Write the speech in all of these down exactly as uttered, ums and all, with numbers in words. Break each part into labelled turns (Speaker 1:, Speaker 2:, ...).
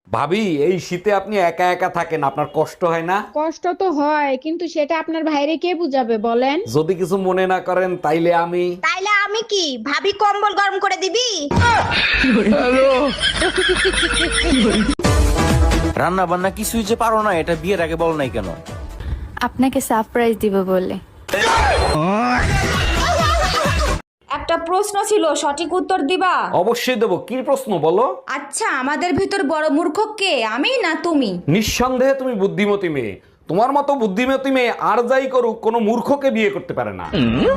Speaker 1: ভাবি এই শীতে আপনি একা একা থাকেন, আপনার কষ্ট হয় না?
Speaker 2: কষ্ট তো হয়, কিন্তু সেটা আপনার ভাইরে কে বুঝাবে বলেন?
Speaker 1: যদি কিছু মনে না করেন তাইলে আমি
Speaker 3: তাইলে আমি কি ভাবি কম্বল গরম করে দিবি?
Speaker 4: রান্না বান্না কিছুই যে পারো না, এটা বিয়ের আগে বল নাই কেন?
Speaker 5: আপনাকে সারপ্রাইজ দিব বলে।
Speaker 6: একটা প্রশ্ন ছিল, সঠিক উত্তর দিবা?
Speaker 1: অবশ্যই দেবো। কি প্রশ্ন বলো?
Speaker 6: আচ্ছা, আমাদের ভিতর বড় মূর্খ কে, আমি না তুমি?
Speaker 1: নিঃসন্দেহে তুমি বুদ্ধিমতী মেয়ে। তোমার মতো বুদ্ধিমতী মেয়ে আর যাই করুক কোনো মূর্খকে বিয়ে করতে পারে না।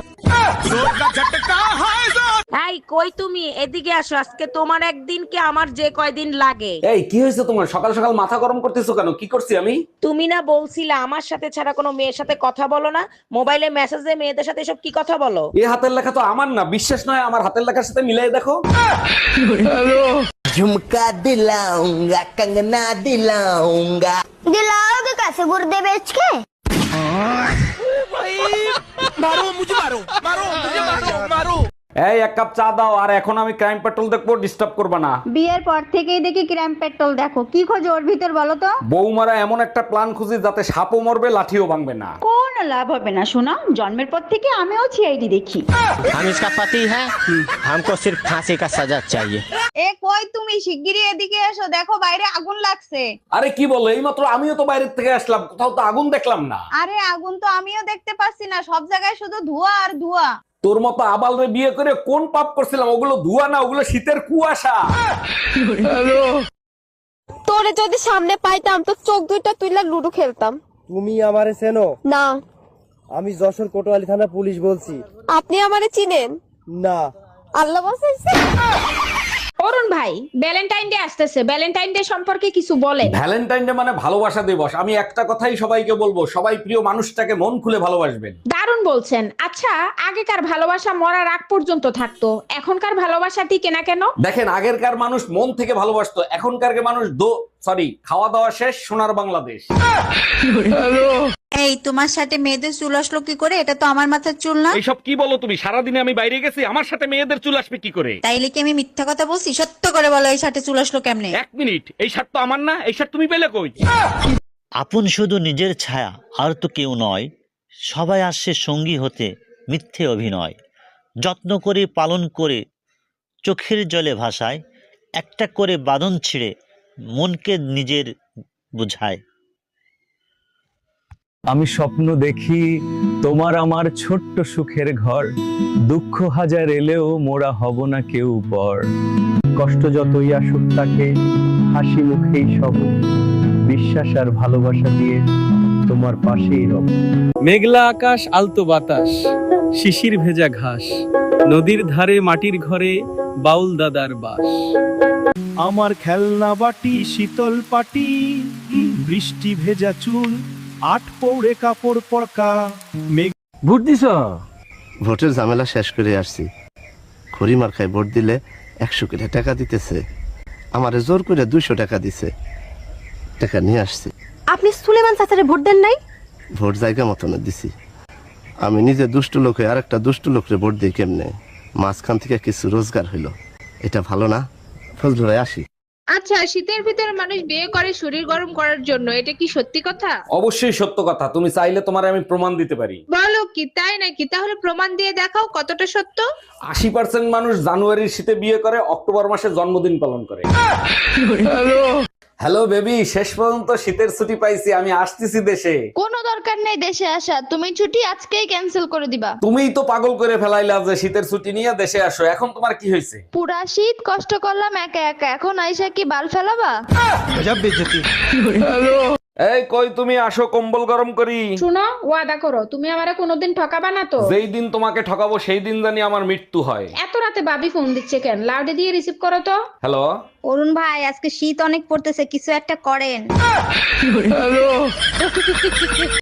Speaker 7: এই কই তুমি, এদিকে আসো। আজকে তোমার একদিন কি আমার যে কয়দিন লাগে?
Speaker 1: এই কি হয়েছে তোমার? সকাল সকাল মাথা গরম করতেছো কেন? কি করছি আমি?
Speaker 7: তুমি না বলছিলা আমার সাথে ছাড়া কোনো মেয়ের সাথে কথা বলো না? মোবাইলে মেসেজে মেয়েদের সাথে এসব কি কথা বলো?
Speaker 1: এই হাতের লেখা তো আমার না, বিশ্বাস নয় আমার হাতের লেখার সাথে মিলাই দেখো।
Speaker 4: झुमका दिलाऊंगा, कंगना दिलाऊंगा।
Speaker 3: दिलाओगे कैसे गुर्दे बेच के?
Speaker 4: मारो मुझे, मारो मारो मुझे, मारो मारो।
Speaker 1: এই এক কাপ চা দাও। আর এখন আমি ক্রাইম পেট্রোল দেখবো, ডিস্টার্ব করবা না।
Speaker 2: বিয়ের পর থেকেই দেখি ক্র্যাম পেট্রোল দেখো, কি খোঁজ ওর ভিতর বলো তো?
Speaker 1: বৌমারা এমন একটা প্ল্যান খুঁজি যাতে সাপও মরবে লাঠিও ভাঙবে না।
Speaker 2: কোন লাভ হবে না শোনা, জন্মের পর থেকে আমিও সিআইডি দেখি।
Speaker 8: हम इसका पति है, हमको सिर्फ फांसी का सजा चाहिए।
Speaker 6: এ কই তুমি, শিগগিরই এদিকে এসো, দেখো বাইরে আগুন লাগছে।
Speaker 1: আরে কি বলো, এই মাত্র আমিও তো বাইরে থেকে আসলাম, কোথাও তো আগুন দেখলাম না।
Speaker 6: আরে আগুন তো আমিও দেখতে পাচ্ছি না, সব জায়গায় শুধু ধোঁয়া আর ধোঁয়া।
Speaker 1: তোর মতো আবালরে বিয়ে করে কোন পাপ করছিলাম? ওগুলো ধোঁয়া না, ওগুলো শীতের কুয়াশা।
Speaker 5: তোরে যদি সামনে পাইতাম তো চোখ দুইটা তুইলা লুডো খেলতাম।
Speaker 9: তুমি আমারে চেনো?
Speaker 5: না।
Speaker 9: আমি যশোর কোতোয়ালি থানা পুলিশ বলছি।
Speaker 5: আপনি আমারে চিনেন
Speaker 9: না।
Speaker 5: আল্লাহ বাঁচাইছে।
Speaker 2: অরুণ ভাই, ভ্যালেন্টাইন ডে আসতেছে, ভ্যালেন্টাইন ডে সম্পর্কে কিছু বলেন।
Speaker 1: ভ্যালেন্টাইন ডে মানে ভালোবাসা দিবস। আমি একটা কথাই সবাইকে বলবো, সবাই প্রিয় মানুষটাকে মন খুলে ভালোবাসবেন।
Speaker 2: দারুণ বলছেন। আচ্ছা, আগেকার ভালোবাসা মরার আগ পর্যন্ত থাকতো, এখনকার ভালোবাসা টিকে না কেন?
Speaker 1: দেখেন, আগেরকার মানুষ মন থেকে ভালোবাসতো, এখনকার মানুষ দো সরি খাওয়া দাওয়া শেষ, সোনার বাংলাদেশ।
Speaker 3: এই তোমার সাথে মেয়েদের চুল আসলো কি করে? এটা তো আমার মাথার চুল না।
Speaker 1: এইসব কি বলো তুমি? সারাদিনে আমি বাইরে গেছি, আমার সাথে মেয়েদের চুল আসবে কি করে?
Speaker 3: তাইলে কি আমি মিথ্যা কথা বলছি? সত্য করে বলো, এই সাথে চুল আসলো কেমনে?
Speaker 1: এক মিনিট, এই শার্ট তো আমার না, এই শার্ট তুমি পেলে কই?
Speaker 8: আপন শুধু নিজের ছায়া, আর তো কেউ নয়। সবাই আসছে সঙ্গী হতে, মিথ্যে অভিনয়। যত্ন করে পালন করে চোখের জলে ভাসায়, একটা করে বাঁধন ছিঁড়ে মনকে নিজের বুঝায়।
Speaker 10: আমি স্বপ্ন দেখি তোমার আমার ছোট্ট সুখের ঘর, দুঃখ হাজার এলেও মোরা হব না কেউ পর। কষ্ট যতই আসুক তাকে হাসি মুখেই সব, বিশ্বাস আর ভালোবাসা দিয়ে তোমার পাশেই রব। মেঘলা আকাশ, আলতো বাতাস, শিশির ভেজা ঘাস, নদীর ধারে মাটির ঘরে বাউল দাদার বাস।
Speaker 11: আমার খেলনা বাটি, শীতল পাটি, বৃষ্টি ভেজা চুল, আট পৌড়ে কাপড় পরকা।
Speaker 10: ভোট দিছ?
Speaker 9: ভোটের ঝামেলা শেষ করে আসছি। খড়ি মার্কায় ভোট দিলে একশো কোটি টাকা দিতেছে, আমারে জোর করে দুইশো টাকা দিছে, টাকা নিয়ে আসছি।
Speaker 5: আপনি সুলেমান চাচারে ভোট দেন নাই?
Speaker 9: ভোট জায়গা মতন দিছি। আমি নিজে দুষ্ট লোক হয়ে আরেকটা দুষ্ট লোকরে ভোট দিই কেমনে? মাঝখান থেকে কিছু রোজগার হইলো, এটা ভালো না? ফজলু ভাই আসি।
Speaker 2: আচ্ছা, শীতের ভিতরে মানুষ বিয়ে করে শরীর গরম করার জন্য, এটা কি সত্যি কথা?
Speaker 1: অবশ্যই সত্য কথা। তুমি চাইলে তোমার আমি প্রমাণ দিতে পারি।
Speaker 2: বলো কি, তাই নাকি? তাহলে প্রমাণ দিয়ে দেখাও কতটা সত্য।
Speaker 1: আশি পার্সেন্ট মানুষ জানুয়ারির শীতে বিয়ে করে, অক্টোবর মাসে জন্মদিন পালন করে। হ্যালো বেবি, শেষ পর্যন্ত শীতের ছুটি পাইছি, আমি আসতেছি দেশে।
Speaker 5: কোনো দরকার নেই দেশে আসা, তুমি ছুটি আজকেই ক্যান্সেল করে দিবা।
Speaker 1: তুমিই তো পাগল করে ফেলাইলা যে শীতের ছুটি নিয়ে দেশে আসো। এখন তোমার কি হয়েছে?
Speaker 5: পুরা শীত কষ্ট করলাম একা একা, এখন আইসা কি বাল ফেলাবা?
Speaker 1: এই কই তুমি, আসো কম্বল গরম করি।
Speaker 2: শুনো, ওয়াদা করো তুমি আমারে কোনোদিন ঠকাবা না তো?
Speaker 1: যেই দিন তোমাকে ঠকাবো সেই দিন জানি আমার মৃত্যু হয়।
Speaker 2: এত রাতে বাবি ফোন দিচ্ছে কেন? লাউডে দিয়ে রিসিভ করো তো।
Speaker 1: হ্যালো।
Speaker 3: অরুণ ভাই, আজকে শীত অনেক পড়তেছে, কিছু একটা করেন।